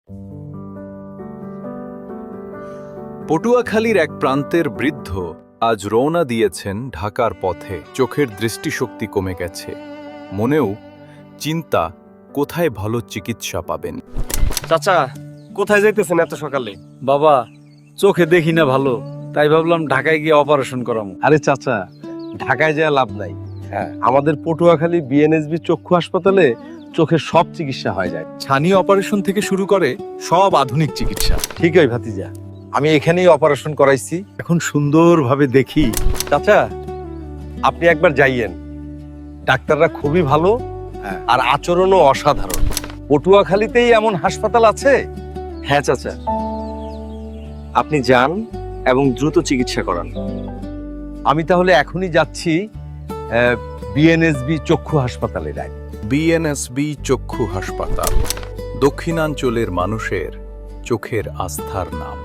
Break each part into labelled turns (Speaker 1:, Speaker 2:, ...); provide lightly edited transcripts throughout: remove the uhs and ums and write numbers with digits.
Speaker 1: পটুয়াখালীর এক প্রান্তের বৃদ্ধ আজ রওনা দিয়েছেন ঢাকার পথে। চোখের দৃষ্টিশক্তি কমে গেছে, মনেও চিন্তা কোথায় ভালো চিকিৎসা পাবেন।
Speaker 2: চাচা, কোথায় যাইতেছেন এত সকালে?
Speaker 3: বাবা, চোখে দেখি না ভালো, তাই ভাবলাম ঢাকায় গিয়ে অপারেশন করাবো।
Speaker 2: আরে চাচা, ঢাকায় যাওয়া লাভ নাই। হ্যাঁ, আমাদের পটুয়াখালী বিএনএসবি চক্ষু হাসপাতালে চোখের সব চিকিৎসা হয়ে যায়।
Speaker 4: ছানি অপারেশন থেকে শুরু করে সব আধুনিক চিকিৎসা।
Speaker 2: ঠিকই ভাতিজা, আমি এখানেই অপারেশন করাইছি।
Speaker 4: এখন সুন্দরভাবে দেখি।
Speaker 2: চাচা, আপনি একবার যাইয়েন, ডাক্তাররা খুবই ভালো আর আচরণও অসাধারণ। পটুয়াখালীতেই এমন হাসপাতাল আছে?
Speaker 5: হ্যাঁ চাচা, আপনি যান এবং দ্রুত চিকিৎসা করান।
Speaker 2: আমি তাহলে এখনই যাচ্ছি বিএনএসবি চক্ষু হাসপাতালে। যাই।
Speaker 1: বিএনএসবি চক্ষু হাসপাতাল দক্ষিণাঞ্চলের মানুষের চোখের আস্থার নাম।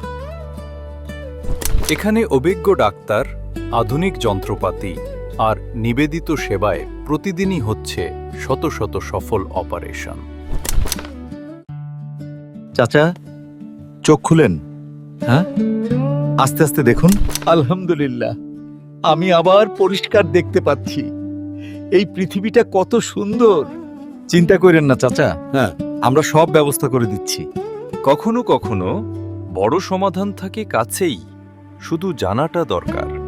Speaker 1: এখানে অভিজ্ঞ ডাক্তার, আধুনিক যন্ত্রপাতি আর নিবেদিত সেবায় প্রতিদিনই হচ্ছে শত শত সফল অপারেশন।
Speaker 4: চাচা, চোখ খুলেন। হ্যাঁ, আস্তে আস্তে দেখুন। আলহামদুলিল্লাহ, আমি আবার পরিষ্কার দেখতে পাচ্ছি। এই পৃথিবীটা কত সুন্দর। চিন্তা করেন না চাচা, হ্যাঁ, আমরা সব ব্যবস্থা করে দিচ্ছি।
Speaker 1: কখনো কখনো বড় সমাধান থাকে কাছেই, শুধু জানাটা দরকার।